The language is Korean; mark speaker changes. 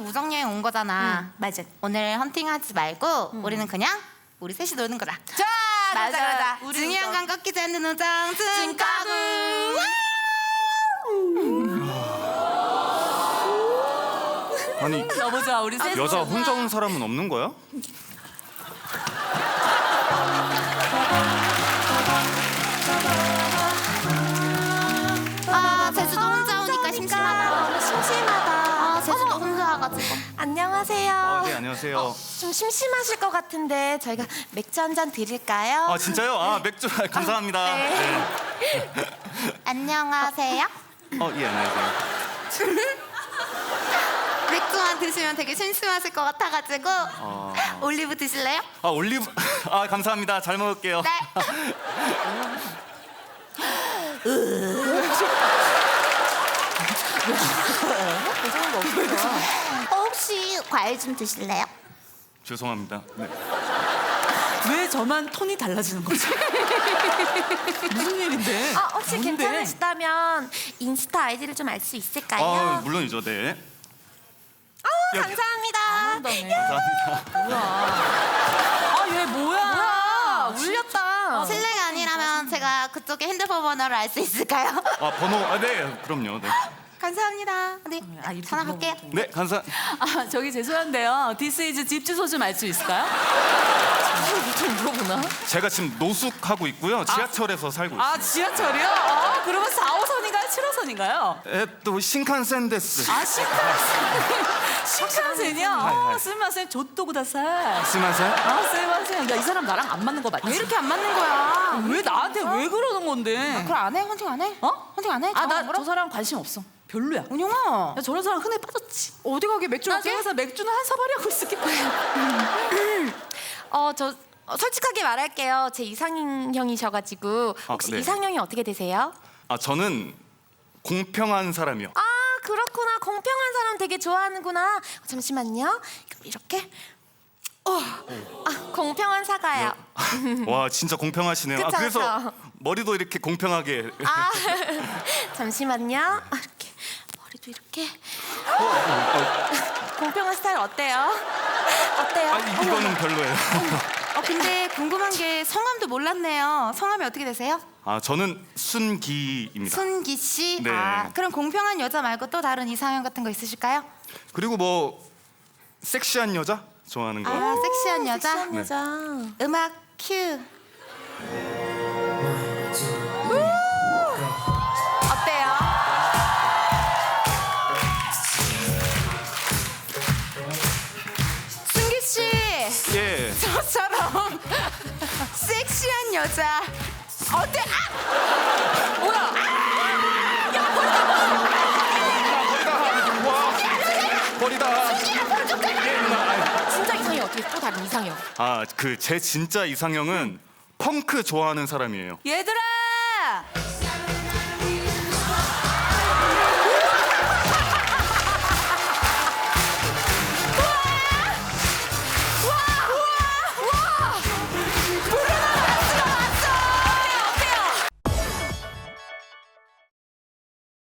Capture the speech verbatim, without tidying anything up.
Speaker 1: 우정 여행 온 거잖아.
Speaker 2: 응, 맞아.
Speaker 1: 오늘 헌팅하지 말고
Speaker 2: 응.
Speaker 1: 우리는 그냥 우리 셋이 노는 거다.
Speaker 2: 자,
Speaker 1: 맞아,
Speaker 2: 그러자,
Speaker 1: 맞아.
Speaker 2: 우리
Speaker 1: 중요한
Speaker 2: 우정.
Speaker 1: 건 꺾이지 않는 우정 증가구.
Speaker 3: 아니
Speaker 2: 너무 좋아, 우리 셋.
Speaker 3: 여자 혼자 온 사람은 없는 거야?
Speaker 1: 아 제주도 혼자 오니까 심심하다.
Speaker 2: 너무 심심하다.
Speaker 1: 아 제주도
Speaker 2: 어머.
Speaker 1: 혼자 와가지고.
Speaker 2: 안녕하세요.
Speaker 3: 아, 네 안녕하세요.
Speaker 2: 좀 심심하실 것 같은데 저희가 맥주 한 잔 드릴까요?
Speaker 3: 아 진짜요? 아 맥주 아, 감사합니다.
Speaker 2: 네.
Speaker 3: 네.
Speaker 1: 안녕하세요.
Speaker 3: 어, 예 안녕하세요.
Speaker 1: 맥주만 드시면 되게 심심하실 것 같아가지고
Speaker 3: 어...
Speaker 1: 올리브 드실래요?
Speaker 3: 아 올리브 아 감사합니다. 잘 먹을게요.
Speaker 1: 네. 어, 혹시 과일 좀 드실래요?
Speaker 3: 죄송합니다. 네.
Speaker 4: 왜 저만 톤이 달라지는 거지? 무슨 일인데?
Speaker 2: 아, 혹시
Speaker 4: 뭔데?
Speaker 2: 괜찮으시다면 인스타 아이디를 좀 알 수 있을까요?
Speaker 3: 아 물론이죠. 네.
Speaker 2: 아,
Speaker 3: 여기.
Speaker 2: 감사합니다.
Speaker 3: 감사합니다.
Speaker 4: 아, 얘 뭐야?
Speaker 2: 아, 울렸다.
Speaker 1: 실례가 아니라면 제가 그쪽에 핸드폰 번호를 알 수 있을까요?
Speaker 3: 아 번호 아 네 그럼요. 네.
Speaker 1: 감사합니다. 네,
Speaker 4: 아, 이렇게
Speaker 1: 전화 갈게요.
Speaker 3: 네 감사.
Speaker 4: 아, 저기 죄송한데요. 디스이즈 집 주소 좀 알 수 있을까요? 좀 물어보나?
Speaker 3: 제가 지금 노숙하고 있고요. 지하철에서 살고 있어요.
Speaker 4: 아, 지하철이요? 아, 그러면 사 호선인가요? 칠 호선인가요?
Speaker 3: 에또 신칸센 데스.
Speaker 4: 아, 신칸센. 신칸센이요?
Speaker 3: 하이,
Speaker 4: 아,
Speaker 3: 하이.
Speaker 4: 스마센 조또고 다살.
Speaker 3: 스마센.
Speaker 4: 아, 스마센. 야, 이 사람 나랑 안 맞는 거 맞지?
Speaker 1: 왜 이렇게 안 맞는 거야?
Speaker 4: 왜 나한테 왜 그러는 건데?
Speaker 1: 그걸 안 해? 헌팅 안 해?
Speaker 4: 어?
Speaker 1: 헌팅 안 해?
Speaker 4: 아, 나
Speaker 1: 뭐라?
Speaker 4: 저 사람 관심 없어. 별로야.
Speaker 1: 은영아,
Speaker 4: 야, 저런 사람 흔해 빠졌지.
Speaker 1: 어디 가게 맥주
Speaker 4: 나
Speaker 1: 할게?
Speaker 4: 저기서 맥주는 한 사발이 하고 있을게.
Speaker 2: 어, 저 어, 솔직하게 말할게요. 제 이상형이셔가지고
Speaker 3: 아,
Speaker 2: 혹시
Speaker 3: 네.
Speaker 2: 이상형이 어떻게 되세요?
Speaker 3: 아 저는 공평한 사람이요.
Speaker 2: 아, 그렇구나. 공평한 사람 되게 좋아하는구나. 어, 잠시만요. 그럼 이렇게. 어, 아, 공평한 사과요.
Speaker 3: 와 진짜 공평하시네요. 아
Speaker 2: 그쵸,
Speaker 3: 그래서
Speaker 2: 그쵸.
Speaker 3: 머리도 이렇게 공평하게.
Speaker 2: 아, 잠시만요. 아, 이렇게 머리도 이렇게. 공평한 스타일 어때요? 어때요?
Speaker 3: 아 이- 이거는 별로예요.
Speaker 1: 어 근데 궁금한 게 성함도 몰랐네요. 성함이 어떻게 되세요?
Speaker 3: 아 저는 순기입니다.
Speaker 1: 순기 씨.
Speaker 3: 네.
Speaker 1: 아, 그럼 공평한 여자 말고 또 다른 이상형 같은 거 있으실까요?
Speaker 3: 그리고 뭐 섹시한 여자 좋아하는 거.
Speaker 1: 아, 섹시한 여자.
Speaker 2: 섹시한 여자.
Speaker 1: 음악 큐. 어때요? 순기 씨,
Speaker 3: 예.
Speaker 1: 저처럼 섹시한 여자 어때? 아! 뭐야?
Speaker 3: 버리다. 예 누나.
Speaker 2: 진짜 이상형 어떻게 또 다른 이상형?
Speaker 3: 아그 제 진짜 이상형은 펑크 좋아하는 사람이에요.
Speaker 4: 얘들아!